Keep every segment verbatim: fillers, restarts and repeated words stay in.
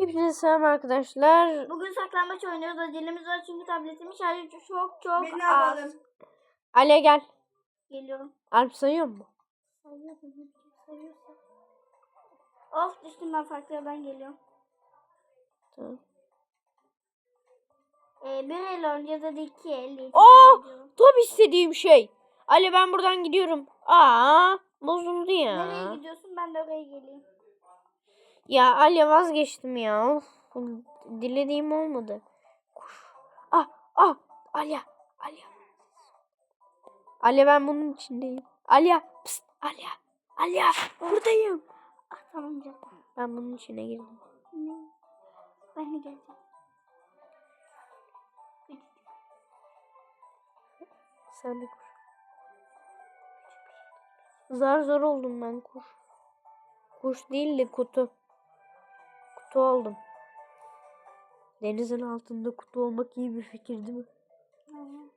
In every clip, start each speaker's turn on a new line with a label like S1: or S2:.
S1: Hepinize selam arkadaşlar.
S2: Bugün saklambaç oynuyoruz. Acelemiz var çünkü tabletimin şarjı çok çok
S3: Biz ne
S2: az.
S3: yapalım?
S1: Ale gel.
S2: Geliyorum.
S1: Alp sayıyor mu?
S2: Sayıyorum. Sayıyorsa. Of düştüm, ben farklı yerden geliyorum.
S1: Tamam.
S2: Ee, bir el oynayacağız, hadi iki el.
S1: Oo, tam istediğim şey. Ale ben buradan gidiyorum. Aa, bozuldu ya.
S2: Nereye gidiyorsun? Ben de oraya geleyim.
S1: Ya Ale vazgeçtim ya. Of, dilediğim olmadı. Koş. Ah, ah, Ale, Ale. Ale ben bunun içindeyim. Ale, pst, Ale, Ale, buradayım.
S2: Ah tamam canım.
S1: Ben bunun içine girdim.
S2: Ne? Ben de geleceğim.
S1: Sen de koş. Zar zor oldum ben, kuş. Kuş değil de kutu. Kutu oldum. Denizin altında kutu olmak iyi bir fikir değil mi?
S2: Aynen.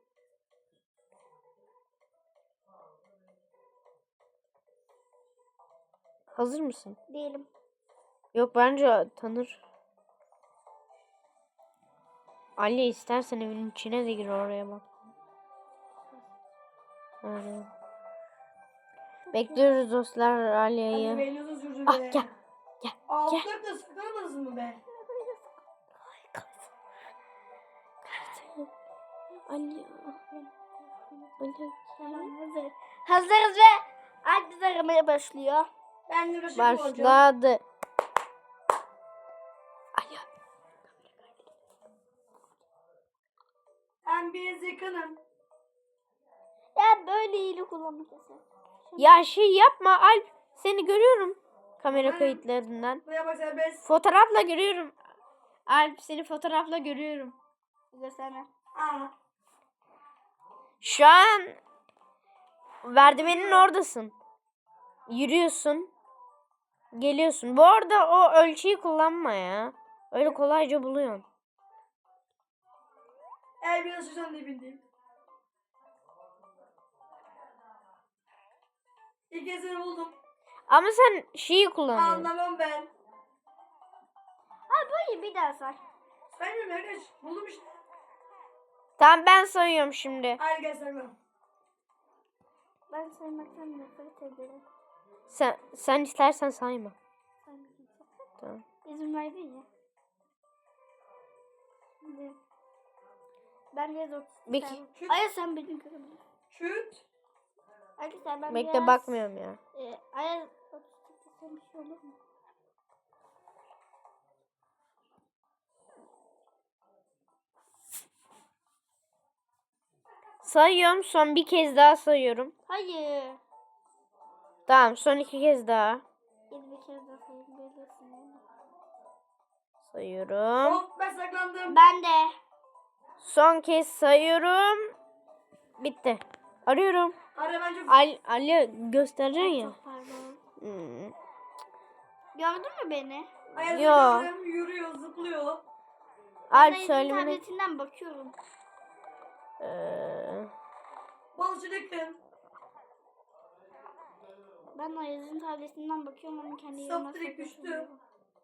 S1: Hazır mısın?
S2: Değilim.
S1: Yok, bence tanır. Ali istersen evin içine de gir, oraya bak. Öyle. Bekliyoruz dostlar Ali'yi.
S3: Hadi beni uzun sürdü
S1: Ah
S3: be.
S1: gel. Gel.
S3: Altlar da sıkılmadınız mı be?
S1: Ali. Ali.
S2: Tamam, hazır. Hazırız ve herkes aramaya başlıyor.
S3: Ben de Rışık olacağım.
S1: Başladı. Ali.
S3: Ben biraz yakınım.
S2: Ya böyle iyili kullanmak yasak.
S1: Ya şey yapma Alp. Seni görüyorum. Kamera
S3: Aynen.
S1: kayıtlarından.
S3: Buraya bak serbest.
S1: Fotoğrafla görüyorum. Alp, seni fotoğrafla görüyorum.
S2: Gösterme.
S3: Aa.
S1: Şu an merdivenin oradasın. Yürüyorsun. Geliyorsun. Bu arada o ölçüyü kullanma ya. Öyle kolayca buluyorsun.
S3: El biraz susan dibindeyim. İlk kez seni buldum.
S1: Ama sen şeyi kullanıyorsun.
S3: Anlamam ben.
S2: Ha böyle bir daha say.
S3: Saymıyorum arkadaş. Buldum işte.
S1: Tamam, ben sayıyorum şimdi.
S3: Hayır gel saymam.
S2: Ben saymaktan nefret ederim.
S1: Sen sen istersen sayma.
S2: Saymayacağım.
S1: Tamam.
S2: İzin verdin ya. Şimdi ben biraz otistik.
S1: Peki.
S2: sen- Aya sen beni görebilirsin.
S3: Şut.
S2: Arkadaşlar ben
S1: Bekle,
S2: biraz...
S1: bakmıyorum ya.
S2: E, Aya otistik desem bir şey olur mu?
S1: Sayıyorum, son bir kez daha sayıyorum.
S2: Hayır.
S1: Tamam, son iki kez daha.
S2: Yedi bir kere daha sayayım. Belirsin yani.
S1: Sayıyorum.
S3: Of ben saklandım.
S2: Ben de.
S1: Son kez sayıyorum. Bitti. Arıyorum.
S3: Ara ben çok...
S1: Ali, Ali göstereceksin ya.
S2: Çok pardon.
S1: Hmm.
S2: Gördün mü beni?
S3: Ayaz
S1: Yo.
S3: saklandım. Yürüyor, zıplıyor.
S1: Alp
S2: Ben
S1: söylemene.
S2: tabletinden bakıyorum.
S1: Ee,
S3: Balıkçı yakın.
S2: Ben Ayaz'ın tabletinden bakıyorum, onun kendi
S3: Saf
S2: yerine
S3: direkt düştü.
S2: saklasın.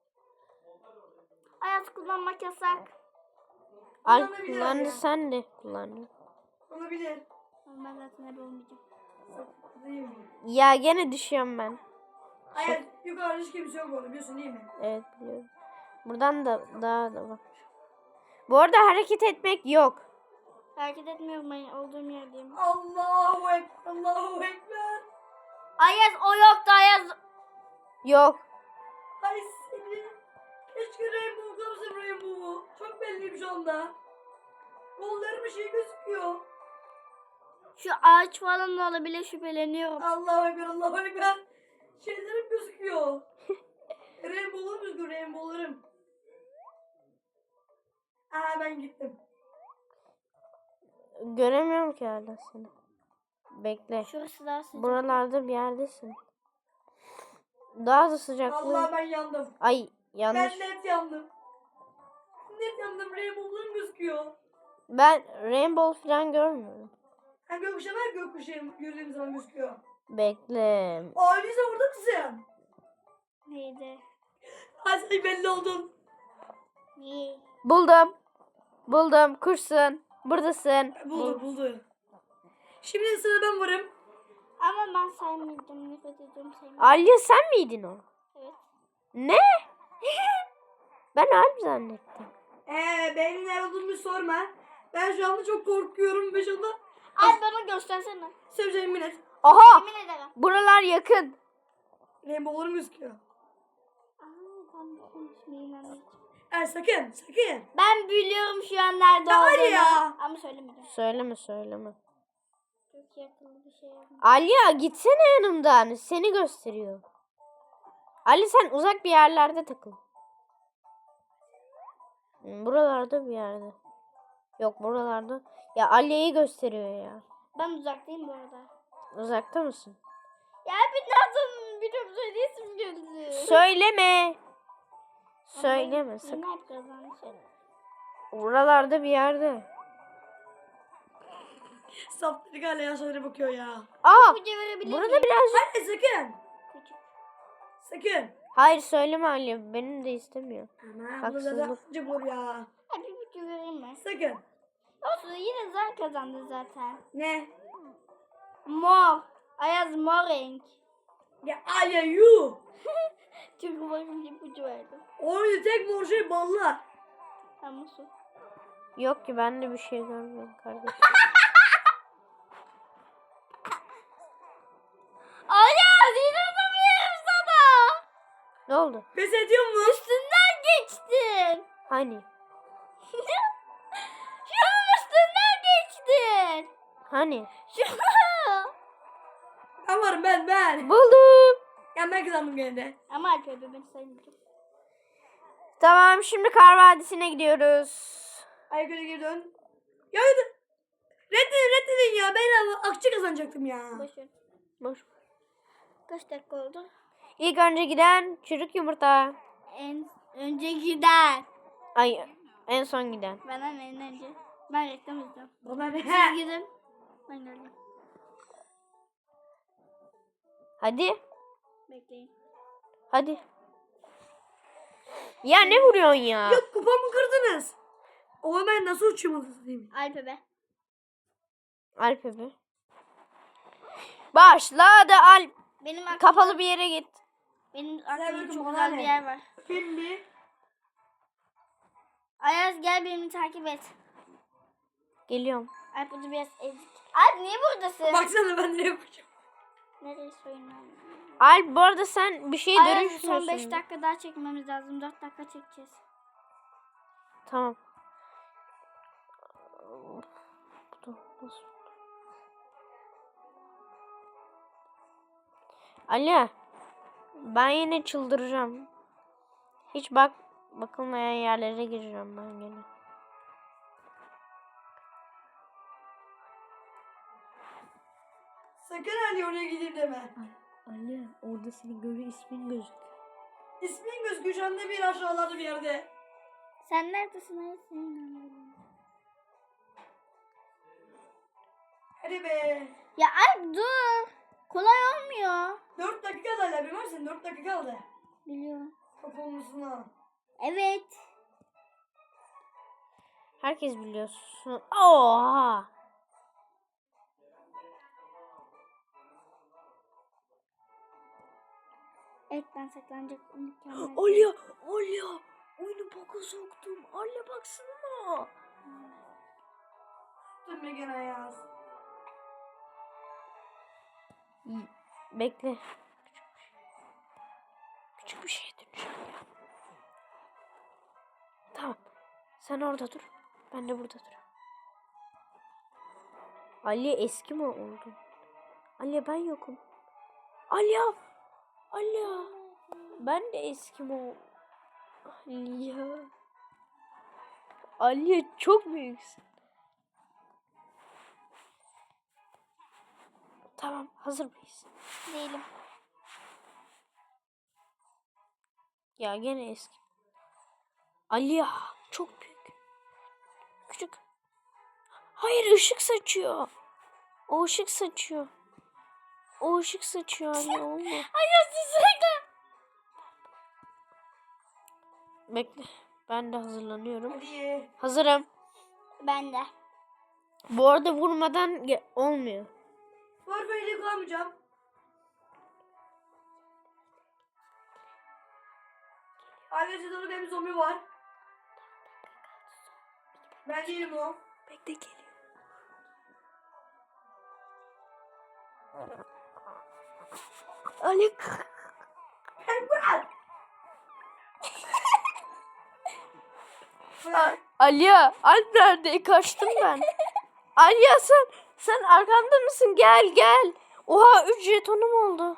S2: Ayaz kullanmak yasak.
S1: Alp
S3: Kullanabilir
S1: kullandı,
S3: ya.
S1: sen de kullandın.
S3: Olabilir.
S2: Ben zaten hep olmayacağım.
S3: Değil mi?
S1: Ya gene düşüyorum ben.
S3: Ayaz yukarıda hiç kimse yok orada biliyorsun değil mi?
S1: Evet, biliyorum. Buradan da daha da bak. Bu arada hareket etmek yok.
S2: Hareket etmiyorum, ben olduğum yerdeyim.
S3: Allahu Ekber. Allahu Ekber.
S2: Ayaz o yoktu, Ayaz.
S1: Yok.
S3: Hay seni. Keşke Rainbow kalırsa Rainbow'u. Çok belliyim şu anda. Kollarım bir şey gözüküyor.
S2: Şu ağaç falan da olabilir, şüpheleniyorum.
S3: Allahu Ekber. Allahu Ekber. Şeylerim gözüküyor. Rainbow'larım gözüküyor. Rainbow'larım. Aa ben gittim.
S1: Göremiyorum ki hala seni. Bekle.
S2: Şurası daha sıcak.
S1: Buralarda bir yerdesin. Daha da sıcaklığı.
S3: Allah ben yandım.
S1: Ay, yanlış.
S3: Ben net yandım. Net yandım. Rainbow'larım gözüküyor.
S1: Ben rainbow falan görmüyorum.
S3: Ha gökkuşağı var, gökkuşağı gördüğüm zaman gözüküyor.
S1: Bekle.
S3: Aa Lisa burada mısın?
S2: Neydi?
S3: Ha sen belli oldun.
S2: İyi.
S1: Buldum. Buldum. Kursun. Buradasın.
S3: Buldu buldu. Şimdi sıra ben varım.
S2: Ama ben saymayacağım. Nefret ediyorum saymayacağım.
S1: Alya sen miydin o?
S2: Evet.
S1: Ne? Ben Alp zannettim.
S3: Eee benim nerede olduğumu sorma. Ben şu anda çok korkuyorum ve şu anda
S2: Ay bana göstersene.
S3: seveceğim millet.
S1: Oha!
S2: Yemin ederim.
S1: Buralar yakın.
S3: Rainbow'larım gözüküyor.
S2: Aa, ben konuşmayayım.
S3: Ay sakın sakın.
S2: Ben biliyorum şu an nerede
S3: Ya hadi
S2: olduğunu.
S3: ya.
S2: Ama söylemeyeceğim.
S1: Söyleme söyleme.
S2: Çok yakın bir şey yapma.
S1: Alya gitsene yanımdan. Seni gösteriyor. Ali sen uzak bir yerlerde takıl. Hmm, Buralarda bir yerde. Yok buralarda. Ya Alya'yı gösteriyor ya.
S2: Ben uzaktayım bu arada.
S1: Uzakta mısın?
S2: Ya bir nereden biliyorum söyleyesim geldi.
S1: Söyleme. Söyleme sakın.
S2: Yine hep kazanmış.
S1: Buralarda bir yerde.
S3: Saftirik hala yaşlara bakıyor ya.
S1: Aa!
S2: İpucu verebilir
S1: Burada
S2: miyim?
S1: birazcık.
S3: Hadi sakın.
S2: Küçük.
S3: Sakın.
S1: Hayır söyleme Alya. Benim de istemiyor.
S3: Aman bu
S1: Haksızlık.
S3: da acım olur ya.
S2: Hadi bir ipucu vereyim mi?
S3: Sakın.
S2: Olsun yine zar kazandı zaten.
S3: Ne?
S2: Mor. Ayaz mor renk.
S3: Ya Alya yuh.
S2: Çok umarım bir ipucu verdim.
S3: Oyunu tek mor şey ballar.
S2: Tamam su.
S1: Yok ki ben de bir şey görmüyorum kardeşim.
S2: Ayaz inanamıyorum sana.
S1: Ne oldu?
S3: Pes ediyor mu?
S2: Üstünden geçtin.
S1: Hani?
S2: Şunun üstünden geçtin.
S1: Hani?
S2: Şunu.
S3: Ben varım ben ben.
S1: Buldum.
S3: Ya ben kazandım gene de.
S2: Ama Alper ben saymayacağım.
S1: Tamam şimdi Kar Vadisi'ne gidiyoruz.
S3: Aykırı geri dön. Ya hadi. Reddedin reddedin ya. Ben ama akçe kazanacaktım ya.
S2: Boş ver.
S1: Boş.
S2: Kaç dakika oldu?
S1: İlk önce giden çürük yumurta.
S2: En önce gider.
S1: Ay en son giden.
S2: Benden en önce. Ben reklam izliyorum.
S3: Bana ne?
S2: Siz gidin. Ben geldim.
S1: Hadi.
S2: Bekleyin.
S1: Hadi. Ya ne vuruyorsun ya?
S3: Yok kupamı kırdınız. O ben nasıl uçuyorum diyeyim.
S2: Alpe be.
S1: Alp abi. Başladı Alp.
S2: Benim aklımda,
S1: Kapalı bir yere git.
S2: benim
S3: bakın
S2: aklımda çok
S3: bana
S2: güzel
S3: ne?
S2: bir yer var.
S3: Şimdi
S2: Ayaz gel beni takip et.
S1: Geliyorum.
S2: Alp burada biraz ezik. Alp niye buradasın?
S3: baksana ben nereye koşuyorum.
S2: Nereye soyunlan?
S1: Alp bu arada sen bir şey
S2: Ayaz
S1: dönüşmüyorsun.
S2: son beş dakika daha çekmemiz lazım. dört dakika çekeceğiz.
S1: Tamam. Dur, nasıl? Ali, ben yine çıldıracağım. Hiç bak bakılmayan yerlere gireceğim ben yine.
S3: Sakın Ali oraya gideyim deme.
S1: Ali, orada senin göre ismin gözüküyor.
S3: İsmin gözüküyor şu anda bir aşağılarda bir yerde.
S2: Sen neredesin Ayaz? Seni inanıyorum.
S3: Hadi be.
S2: Ya Alp dur. Kolay olmuyor.
S3: Dört dakika kaldı hala bilmem misin? Dört dakika kaldı.
S2: Biliyorum.
S3: Kapılmasına.
S2: Evet.
S1: Herkes biliyorsun. Oha!
S2: Evet ben saklanacak mükemmel.
S1: Alya, Alya, oyunu boka soktum. Alya baksana.
S3: Dur be gene yaz.
S1: Bekle. Küçük bir şeye döneceğim ya. Tamam. Sen orada dur. Ben de burada dur. Ali eski mi oldu? Ali ben yokum. Alya. Alya. Ben de eski mi oldum? Alya. Alya çok büyüksün. Tamam hazır mıyız?
S2: Değilim.
S1: Ya gene eski. Alya çok büyük. Küçük. Hayır ışık saçıyor. O ışık saçıyor. O ışık saçıyor anne olma.
S2: Ayaz saklan.
S1: Bekle. Ben de hazırlanıyorum.
S3: Hadi.
S1: Hazırım.
S2: Ben de.
S1: Bu arada vurmadan ge- olmuyor.
S3: Warfare'yi kullanmayacağım. Arkadaşlar orada bir zombi var. Ben değilim o.
S1: Bekle geliyor. Ali.
S3: Penguen.
S1: A- Aliya, Alp nerede? Kaçtım ben. Aliya sen sen arkamda mısın? Gel gel. Oha üç jetonum oldu.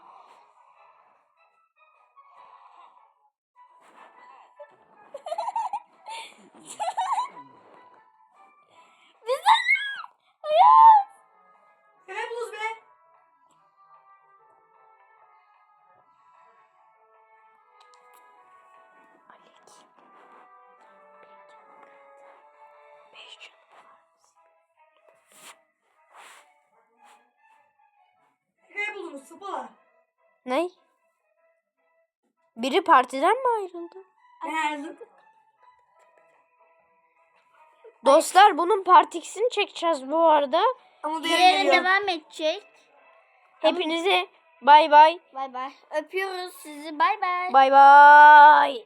S3: Ne buluz be? Ne buldunuz sıpalar?
S1: Ne? Biri partiden mi ayrıldı?
S3: Nerede?
S1: Dostlar bunun part ikisini çekeceğiz bu arada.
S3: Ama diğer
S2: Diğeri
S3: geliyor.
S2: devam edecek.
S1: Hepinize bay bay.
S2: Bay bay. Öpüyoruz sizi. Bay bay.
S1: Bay bay.